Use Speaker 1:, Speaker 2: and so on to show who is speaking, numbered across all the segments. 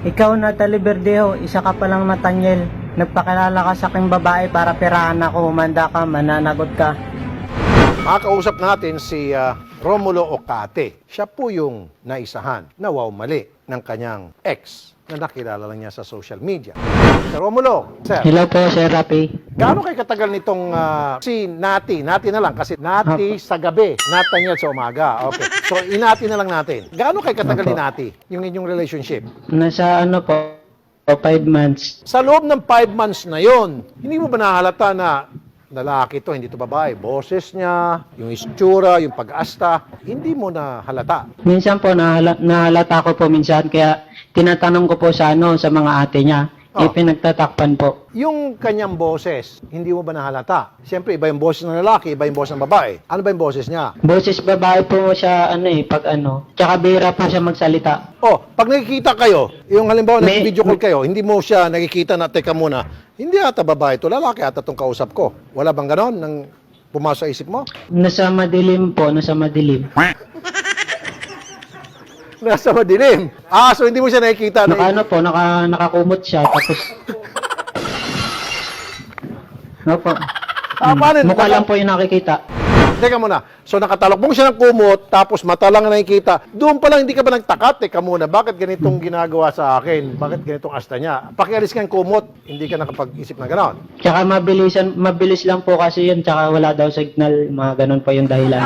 Speaker 1: Ikaw, Natalie Verdejo, isa ka palang Nathaniel. Nagpakilala ka sa aking babae para perahan ako. Umanda ka, mananagot ka.
Speaker 2: Makakausap natin si Romulo Ocate. Siya po yung naisahan na mali ng kanyang ex na nakilala lang niya sa social media. Sir Romulo, sir,
Speaker 1: Hello po, Sir Rapi.
Speaker 2: gaano kay katagal nitong si Nati na lang kasi Nati sa gabi, Nathaniel sa umaga. Okay. So inati na lang natin. Gaano kay katagal ni Nati yung inyong relationship?
Speaker 1: Nasa ano po, 5 months.
Speaker 2: Sa loob ng 5 months na yon, hindi mo ba nahalata na lalaki to, hindi to babae? Boses niya, yung istura, yung pag-asta, hindi mo na halata.
Speaker 1: Minsan po, nahalata ko po minsan, kaya tinatanong ko po sa mga ate niya.
Speaker 2: Oh.
Speaker 1: Pinagtatakpan po.
Speaker 2: Yung kanyang boses, hindi mo ba nahalata? Siyempre, iba yung boses ng lalaki, iba yung boses ng babae. Ano ba yung boses niya?
Speaker 1: Boses babae po siya, tsaka bira po siya magsalita.
Speaker 2: Oh, pag nakikita kayo, yung halimbawa
Speaker 1: May-
Speaker 2: nag-video call kayo, hindi mo siya nakikita na, teka muna, hindi ata babae to, lalaki ata tong kausap ko. Wala bang ganon nang pumasok sa isip mo?
Speaker 1: Nasa madilim po, nasa madilim.
Speaker 2: Nasa madilim. So hindi mo siya nakikita na...
Speaker 1: Nakakumot siya, tapos... Opo.
Speaker 2: paano?
Speaker 1: Mukha lang po yung nakikita.
Speaker 2: Teka muna. So nakatalokbong siya ng kumot, tapos mata lang na nakikita. Doon pa lang hindi ka ba nagtaka? Teka muna, bakit ganitong ginagawa sa akin? Bakit ganitong asta niya? Pakialis ka ng kumot, hindi ka nakapag-isip na gano'n.
Speaker 1: Tsaka mabilis lang po kasi yun, tsaka wala daw signal, mga ganun po yung dahilan.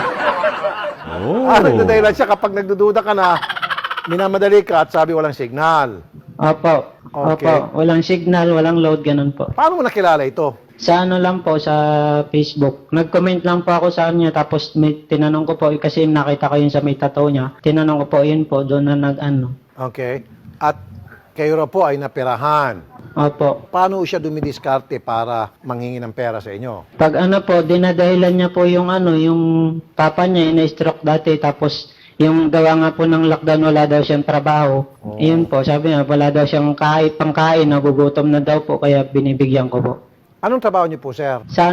Speaker 2: Nagdadahilan siya kapag nagdududa ka na, minamadali ka at sabi walang signal.
Speaker 1: Opo.
Speaker 2: Okay.
Speaker 1: Opo. Walang signal, walang load, ganun po.
Speaker 2: Paano mo nakilala ito?
Speaker 1: Sa lang po, sa Facebook. Nag-comment lang po ako sa kanya, tapos tinanong ko po, kasi nakita ko yun sa may tattoo niya. Tinanong ko po, yun po, doon na
Speaker 2: Okay. At kayo raw po ay napirahan.
Speaker 1: Opo.
Speaker 2: Paano siya dumidiskarte para manghingi ng pera sa inyo?
Speaker 1: Pag dinadahilan niya po yung yung papa niya, ina-stroke dati, tapos yung gawa nga po ng lockdown, wala daw siyang trabaho. Yun po, sabi niya, wala daw siyang pangkain, nagugutom na daw po, kaya binibigyan ko po.
Speaker 2: Anong trabaho niyo po, sir?
Speaker 1: Sa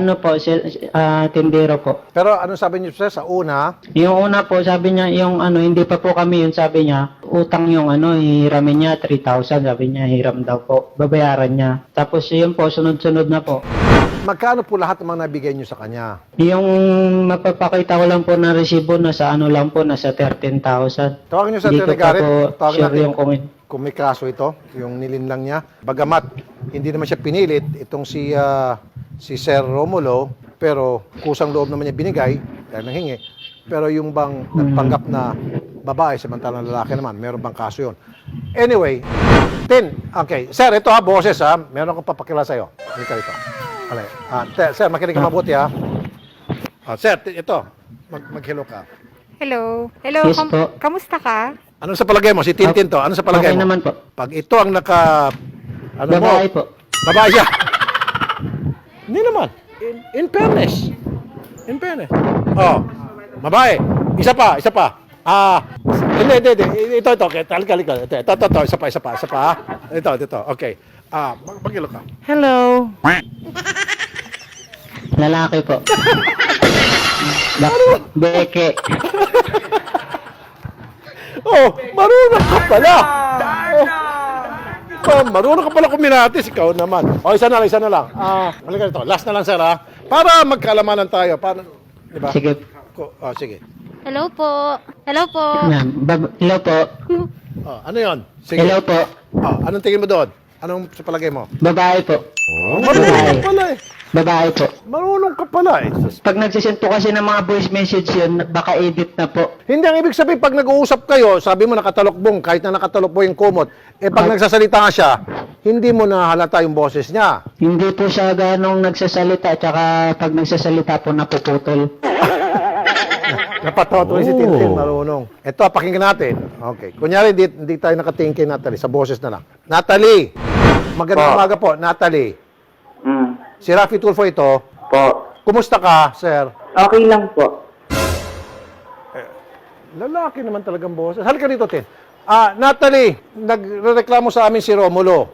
Speaker 1: tindero po.
Speaker 2: Pero anong sabi niyo, sir, sa una?
Speaker 1: Yung una po, sabi niya, yung hindi pa po kami, yun sabi niya, utang yung hihiramin niya, 3,000, sabi niya, hiram daw po, babayaran niya. Tapos yun po, sunod-sunod na po.
Speaker 2: Magkano po lahat ng mga nabigay niyo sa kanya?
Speaker 1: Yung mapapakita ko lang po na resibo, nasa lang po, nasa 13,000.
Speaker 2: Tawagin niyo sa
Speaker 1: Hindi ko pa
Speaker 2: Garrett.
Speaker 1: po
Speaker 2: Tawagin
Speaker 1: sure
Speaker 2: natin
Speaker 1: yung comment.
Speaker 2: kung may kaso ito, yung nilinlang niya. Bagamat, hindi naman siya pinilit, itong si Sir Romulo, pero kusang loob naman niya binigay, dahil nanghingi. Pero yung bang nagpanggap na babae, samantalang lalaki naman, meron bang kaso yun? Anyway, okay. Sir, ito boses meron akong papakila sa'yo. Hindi ka rito. Sir, makinig ka mabuti sir, ito, mag-hello ka.
Speaker 3: Hello. Hello,
Speaker 1: Yes po.
Speaker 3: kamusta ka?
Speaker 2: Ano sa palagay mo? Si Tintin to. Ano sa palagay
Speaker 1: Okay
Speaker 2: mo?
Speaker 1: naman po.
Speaker 2: Pag ito ang
Speaker 1: Babae po.
Speaker 2: Babae siya. Hindi naman. In fairness. In fairness. Oh, babae. Isa pa. Hindi. Ito. Okay, talika. Ito. Isa pa. Ito. Okay. Magkilo ka.
Speaker 3: Hello.
Speaker 1: Lalaki po. Beke.
Speaker 2: Oh, marunong ka pala. Marunong ka pala kuminatis. Ikaw naman. Isa na lang. Halika dito. Last na lang, sir, para magkalamanan tayo. Diba?
Speaker 1: Sige.
Speaker 2: Sige.
Speaker 3: Hello po. Hello po.
Speaker 1: Yan. Hello po.
Speaker 2: Ano yon? Sige.
Speaker 1: Hello po.
Speaker 2: Anong tingin mo doon? Anong sa palagay mo?
Speaker 1: Babae po.
Speaker 2: Marunong ka pala eh.
Speaker 1: Babae po.
Speaker 2: Marunong ka pala eh.
Speaker 1: Pag nagsisend po kasi ng mga voice message yun, baka edit na po.
Speaker 2: Hindi, ang ibig sabihin, pag nag-uusap kayo, sabi mo nakatalokbong, kahit na nakatalokbong yung kumot, pag nagsasalita nga siya, hindi mo na halata yung boses niya.
Speaker 1: Hindi po siya ganong nagsasalita, tsaka pag nagsasalita po napuputol.
Speaker 2: Napatotoy si Tintin, marunong. Ito, pakinggan natin. Okay. Kunyari, hindi tayo nakatingin kay Natalie, sa boses na lang. Natalie! Magandang umaga po, Natalie. Si Rafi Tulfo ito.
Speaker 4: Po.
Speaker 2: Kumusta ka, sir?
Speaker 4: Okay lang po.
Speaker 2: Lalaki naman talagang boses. Halika dito, Tin. Natalie, nagreklamo sa amin si Romulo.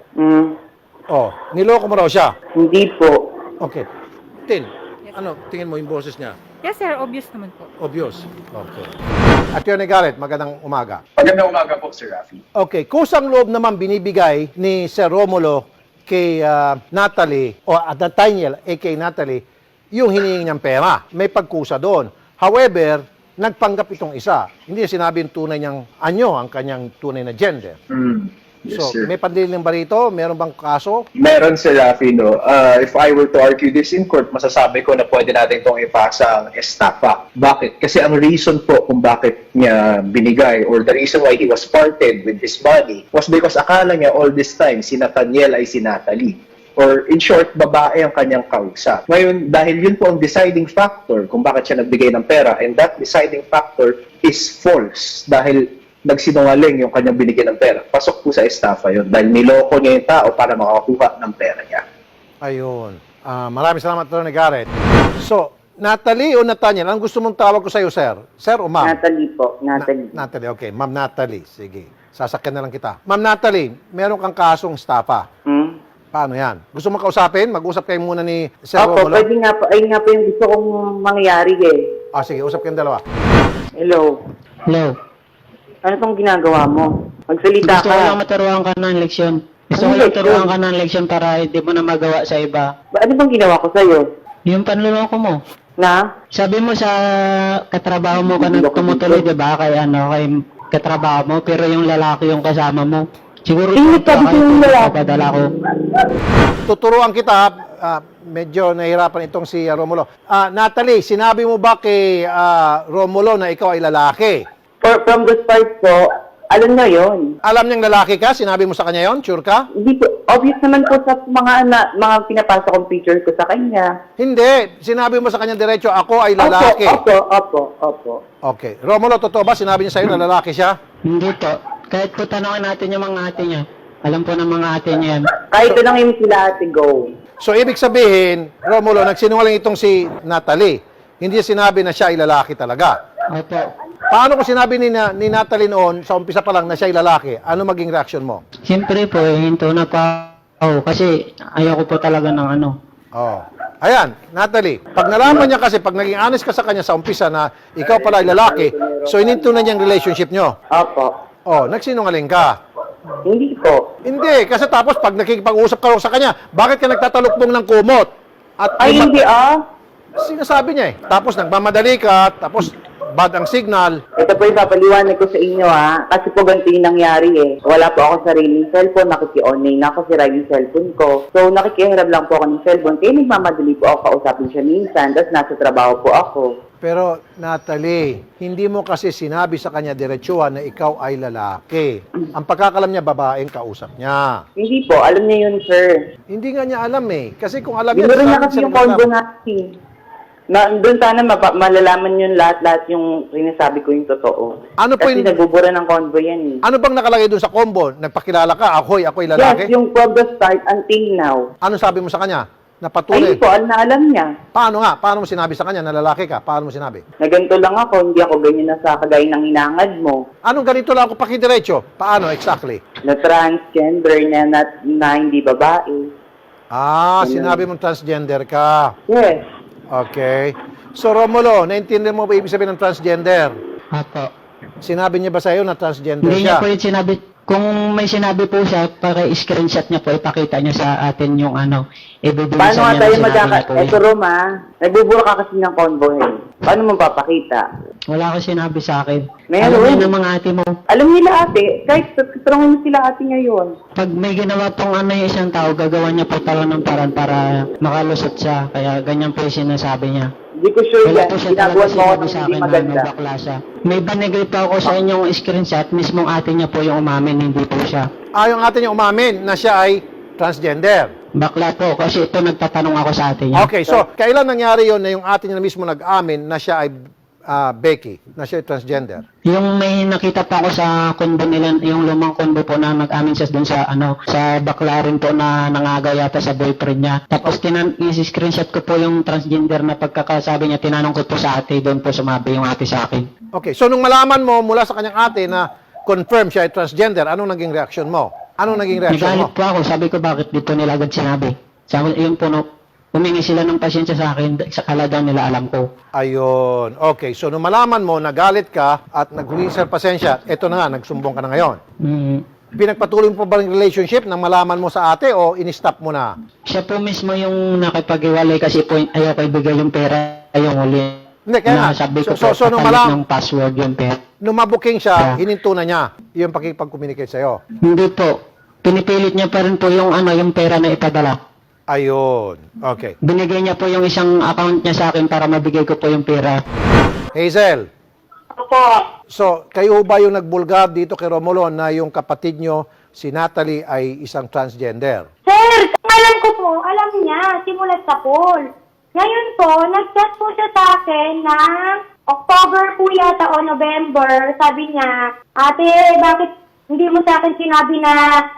Speaker 2: Niloko mo raw siya.
Speaker 4: Hindi po.
Speaker 2: Okay. Tin, ano, tingin mo yung boses niya?
Speaker 3: Yes, sir. Obvious naman po.
Speaker 2: Obvious. Okay. Attorney Garrett, magandang umaga.
Speaker 4: Magandang umaga po, Sir Rafi.
Speaker 2: Okay, kusang loob naman binibigay ni Sir Romulo kay Natalie o Nathaniel, aka Natalie, yung hinihingi niyang pera. May pagkusa doon. However, nagpanggap itong isa. Hindi niya sinabi yung tunay niyang anyo, ang kanyang tunay na gender.
Speaker 4: Yes,
Speaker 2: So,
Speaker 4: sir.
Speaker 2: may pandiling ba rito? Meron bang kaso?
Speaker 4: Meron, Sir Rafi, no? If I were to argue this in court, masasabi ko na pwede natin itong ipasa ang estafa. Bakit? Kasi ang reason po kung bakit niya binigay or the reason why he was parted with his money was because akala niya all this time si Nathaniel ay si Natalie. Or in short, babae ang kanyang kausap. Ngayon, dahil yun po ang deciding factor kung bakit siya nagbigay ng pera, and that deciding factor is false dahil nagsinungaling yung kanyang binigyan ng pera. Pasok po sa estafa yun dahil niloko niya yung tao para makakuha ng pera niya.
Speaker 2: Ayun. Maraming salamat, Attorney Garrett. So, Natalie o Nathaniel, ang gusto mong tawag ko sa iyo, sir? Sir o ma'am?
Speaker 5: Natalie po, Natalie.
Speaker 2: Natalie, okay. Ma'am Natalie. Sige. Sasakyan na lang kita. Ma'am Natalie, meron kang kasong estafa. Paano yan? Gusto mo kausapin? Mag-usap kayo muna ni Sir
Speaker 5: Opo,
Speaker 2: Romulo.
Speaker 5: pwede nga po, ayun nga po yung gusto kong mangyari eh.
Speaker 2: Sige, usap kayong dalawa.
Speaker 5: Hello,
Speaker 1: Hello.
Speaker 5: ano tong ginagawa mo? Magsalita
Speaker 1: Gusto ko lang
Speaker 5: ka.
Speaker 1: maturuan ka ng leksyon. Gusto ko
Speaker 5: Ano
Speaker 1: lang
Speaker 5: leksyon?
Speaker 1: turuan ka ng leksyon para hindi mo na magawa sa iba.
Speaker 5: Ano bang ginawa ko sa'yo?
Speaker 1: Yung panluloko mo.
Speaker 5: Na?
Speaker 1: Sabi mo sa katrabaho mo ka na tumutuloy, di ba? Kay katrabaho mo, pero yung lalaki yung kasama mo. Siguro
Speaker 5: Hindi
Speaker 1: ito
Speaker 5: ka
Speaker 1: kayo
Speaker 5: yung lalaki.
Speaker 1: papadala ko.
Speaker 2: Tuturuan kita. Medyo nahihirapan itong si Romulo. Natalie, sinabi mo ba kay Romulo na ikaw ay lalaki?
Speaker 5: From the start po, alam na yon.
Speaker 2: Alam niyang lalaki ka? Sinabi mo sa kanya yon? Sure ka?
Speaker 5: Hindi po, obvious naman po sa mga pinapasok kong picture ko sa kanya.
Speaker 2: Hindi. Sinabi mo sa kanya diretso, ako ay lalaki.
Speaker 5: Opo.
Speaker 2: Okay. Romulo, totoo ba? Sinabi niya sa'yo na lalaki siya?
Speaker 1: Hindi po. Kahit po tanongin natin yung mga ate niya. Alam po ng mga ate niya yan.
Speaker 5: Kahit lang yung sila ate go.
Speaker 2: So, ibig sabihin, Romulo, nagsinungaling itong si Natalie. Hindi niya sinabi na siya ay lalaki talaga.
Speaker 1: Opo.
Speaker 2: Paano kung sinabi ni Natalie noon, sa umpisa pa lang, na siya ay lalaki? Ano maging reaction mo?
Speaker 1: Siyempre po, hinto na pa ako kasi ayoko po talaga ng ano.
Speaker 2: Oh. Ayan, Natalie, pag nalaman niya kasi, pag naging honest ka sa kanya sa umpisa na ikaw pala ay lalaki, so ininto na niyang relationship niyo.
Speaker 5: Opo.
Speaker 2: Oh, nagsinungaling ka.
Speaker 5: Hindi po.
Speaker 2: Hindi, kasi tapos pag nakikipag-usap ka sa kanya, bakit ka nagtatalukbong ng kumot? At
Speaker 5: Ay, hindi
Speaker 2: sinasabi niya eh. Tapos nagmamadali ka, tapos bad ang signal.
Speaker 5: Ito po yung papaliwanag ko sa inyo kasi po ganito yung nangyari eh. Wala po ako sariling cellphone, nakiki-online na ako, sira yung cellphone ko. So nakikiharap lang po ako ng cellphone, kaya nagmamadali po ako kausapin siya minsan, tapos nasa trabaho po ako.
Speaker 2: Pero Natalie, hindi mo kasi sinabi sa kanya diretsuhan na ikaw ay lalaki. Ang pagkakalam niya, babaeng kausap niya.
Speaker 5: Hindi po, alam niya yun sir.
Speaker 2: Hindi nga niya alam eh. Kasi kung alam niya,
Speaker 5: Binuro niya
Speaker 2: bakit
Speaker 5: kasi
Speaker 2: siya
Speaker 5: yung combo
Speaker 2: naglalam?
Speaker 5: natin. Doon sana malalaman yun lahat yung sinasabi ko yung totoo.
Speaker 2: Ano po
Speaker 5: Kasi
Speaker 2: yung-
Speaker 5: nagbubura ng convo yan eh.
Speaker 2: Ano bang nakalagay doon sa combo? Nagpakilala ka, ako'y
Speaker 5: Yes,
Speaker 2: lalaki?
Speaker 5: yung from the start until now.
Speaker 2: Ano sabi mo sa kanya?
Speaker 5: Ay,
Speaker 2: Napatuloy.
Speaker 5: hindi po, alam niya.
Speaker 2: Paano nga? Paano mo sinabi sa kanya na lalaki ka? Paano mo sinabi?
Speaker 5: Na ganito lang ako, hindi ako ganyan na sa kagaya ng hinangad mo.
Speaker 2: Anong ganito lang ako pakidiretso? Paano exactly?
Speaker 5: Na transgender na hindi babae.
Speaker 2: Sinabi mong transgender ka.
Speaker 5: Yes.
Speaker 2: Okay. So, Romulo, naintindihan mo ba ibig sabihin ng transgender?
Speaker 1: Opo.
Speaker 2: Sinabi niya ba sa'yo na transgender
Speaker 1: Hindi
Speaker 2: siya?
Speaker 1: niya po yung sinabi. Kung may sinabi po siya, screenshot niya po, ipakita niya sa atin yung ibibigay
Speaker 5: Paano
Speaker 1: sa
Speaker 5: nga
Speaker 1: niya
Speaker 5: tayo
Speaker 1: na sinabi niya po.
Speaker 5: Eto Roma, nagbubura ka kasi ng convo eh. Paano mo papakita?
Speaker 1: Wala ko sinabi sa akin.
Speaker 5: Meron.
Speaker 1: Alam niya ng mga ate mo.
Speaker 5: Alam nila ate, kahit tulungan mo sila ate ngayon.
Speaker 1: Pag may ginawa pong yung isang tao, gagawa niya po talaga ng paraan para makalusot siya. Kaya ganyan po yung sinasabi niya.
Speaker 5: Hindi ko sure
Speaker 1: Wala
Speaker 5: yan.
Speaker 1: po siya talaga
Speaker 5: Ginagawa mo ako
Speaker 1: sinabi
Speaker 5: ng
Speaker 1: sa
Speaker 5: hindi
Speaker 1: akin na
Speaker 5: maganda.
Speaker 1: bakla siya. May banigay pa ako sa inyong screenshot, mismong ate niya po yung umamin, hindi po siya.
Speaker 2: Yung ate niya umamin na siya ay transgender.
Speaker 1: Bakla po, kasi ito nagtatanong ako sa ate niya.
Speaker 2: Okay, so kailan nangyari yon na yung ate niya mismo nag-amin na siya ay Becky, na siya ay transgender?
Speaker 1: Yung may nakita pa ako sa kondo nila, yung lumang kondo po na nag-amin siya dun sa sa bakla rin po na nangaga yata sa boyfriend niya. Tapos i-screenshot ko po yung transgender na pagkakasabi niya, tinanong ko po sa ate, doon po sumabi yung ate sa akin.
Speaker 2: Okay, so nung malaman mo mula sa kanyang ate na confirm siya ay transgender, anong naging reaction mo? Anong naging reaction mo?
Speaker 1: Nagalit po ako, sabi ko bakit dito nila agad sinabi. Sabi, yun po humingi sila ng pasensya sa akin sa kalagang nila alam ko.
Speaker 2: Ayun. Okay, so nung malaman mo, nagalit ka at naghumingi sa pasensya, eto na nga, nagsumbong ka na ngayon. Pinagpatuloy mo pa ba yung relationship nang malaman mo sa ate o in-stop mo na?
Speaker 1: Siya po mismo yung nakipag-iwalay kasi po ayaw ko ibigay yung pera yung huli.
Speaker 2: Hindi, kaya nga.
Speaker 1: Sabi ko
Speaker 2: So,
Speaker 1: po,
Speaker 2: nung
Speaker 1: papalit ng password yung pera.
Speaker 2: Nung mabuking siya,
Speaker 1: Yeah.
Speaker 2: hininto na niya yung pakipag-communicate sa'yo.
Speaker 1: Hindi po. Pinipilit niya pa rin po yung yung pera na ipadala.
Speaker 2: Ayun. Okay.
Speaker 1: Binigay niya po yung isang account niya sa akin para mabigay ko po yung pera.
Speaker 2: Hazel,
Speaker 5: Opo.
Speaker 2: so kayo ba yung nagbulgar dito kay Romulo na yung kapatid nyo, si Natalie, ay isang transgender?
Speaker 6: Sir, alam ko po, alam niya, simulat sa pool. Ngayon po, nag-chat po siya sa akin ng October po yata o November. Sabi niya, ate, bakit hindi mo sa akin sinabi na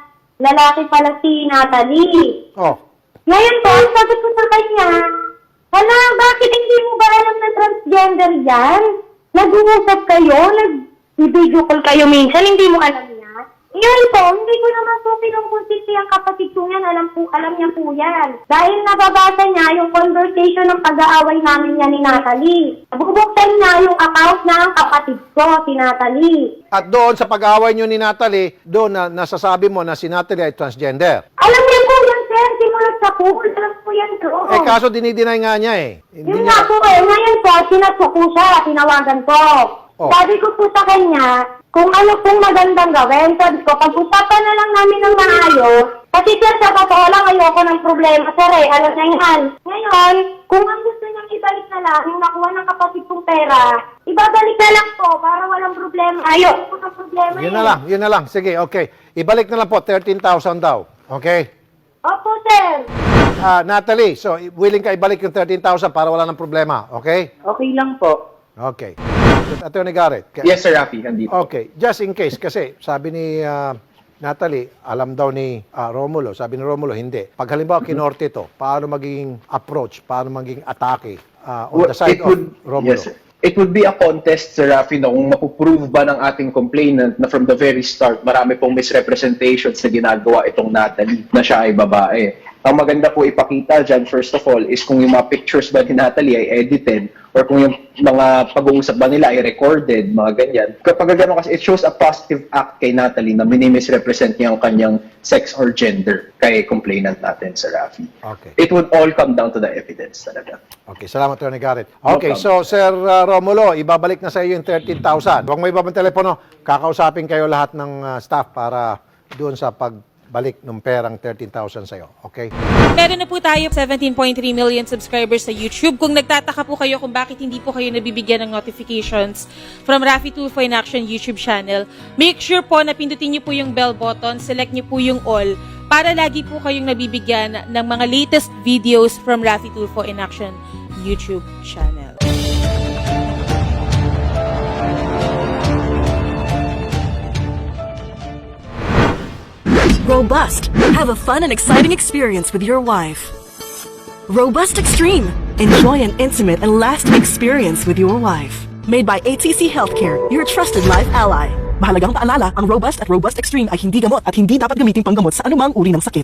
Speaker 6: lalaki pala si Natalie?
Speaker 2: Oh,
Speaker 6: Ngayon po, ang sabi ko sa kanya, hala, bakit hindi mo ba alam na transgender yan? Nag-uusap kayo, nag-video call kayo minsan, hindi mo alam niya? Ngayon po, hindi ko naman po pinungkunsisi ang kapatid ko yan, alam niya po yan. Dahil nababasa niya yung conversation ng pag-aaway namin niya ni Natalie. Bubuksan niya yung account ng kapatid ko, si Natalie.
Speaker 2: at doon sa pag-away nyo ni Natalie, doon na nasasabi mo na si Natalie ay transgender.
Speaker 6: Alam niya po yan, sir, simulat sa pool, alam po yan, sir.
Speaker 2: Eh kaso dinideny nga niya eh. Hindi
Speaker 6: Yun
Speaker 2: niya...
Speaker 6: nga po eh. Ngayon po, sinatso ko siya, tinawagan ko.
Speaker 2: Oh.
Speaker 6: Sabi ko po sa kanya, kung ano pong magandang gawin. Sabi ko, pag-usapan na lang namin ng maayos. Kasi sir, sa totoo lang, ayoko ng problema, sir eh. Alam na yan. Ngayon, kung ang gusto niyang ibalik na lang, yung nakuha ng kapatid kong pera, ibabalik na lang po para walang problema. Ayoko ng problema
Speaker 2: Yun na lang. Sige, okay. Ibalik na lang po, 13,000 daw. Okay?
Speaker 6: Opo, sir.
Speaker 2: Natalie, so willing ka ibalik yung 13,000 para wala ng problema. Okay?
Speaker 5: Okay lang po.
Speaker 2: Okay. Attorney Garrett.
Speaker 4: Yes, Sir Rafi, nandito.
Speaker 2: Okay, just in case, kasi sabi ni Natalie, alam daw ni Romulo, sabi ni Romulo, hindi. Pag halimbawa kinorte ito, paano magiging approach, paano magiging atake on the side of Romulo?
Speaker 4: Yes, sir. It would be a contest, Sir Rafi, no, kung mapuprove ba ng ating complainant na from the very start, marami pong misrepresentations na ginagawa itong Natalie na siya ay babae. Ang maganda po ipakita dyan, first of all, is kung yung mga pictures ba ni Natalie ay edited or kung yung mga pag-uusap ba nila ay recorded, mga ganyan. Kapag gano'n kasi, it shows a positive act kay Natalie na minimisrepresent niya ang kanyang sex or gender kay complainant natin, Sir Rafi.
Speaker 2: Okay.
Speaker 4: It would all come down to the evidence talaga.
Speaker 2: Okay, salamat, Attorney Garrett. Okay, so Sir Romulo, ibabalik na sa iyo yung 13,000. Huwag mo ibabang telepono, kakausapin kayo lahat ng staff para doon sa pagbalik ng perang 13,000 sa iyo. Okay?
Speaker 7: Meron na po tayo 17.3 million subscribers sa YouTube. Kung nagtataka po kayo kung bakit hindi po kayo nabibigyan ng notifications from Rafi Tulfo in Action YouTube channel, make sure po na pindutin niyo po yung bell button, select niyo po yung all, para lagi po kayong nabibigyan ng mga latest videos from Rafi Tulfo in Action YouTube channel.
Speaker 8: Robust. Have a fun and exciting experience with your wife. Robust Extreme. Enjoy an intimate and lasting experience with your wife. Made by ATC Healthcare, your trusted life ally. Mahalagang paalala, ang Robust at Robust Extreme ay hindi gamot at hindi dapat gamitin panggamot sa anumang uri ng sakit.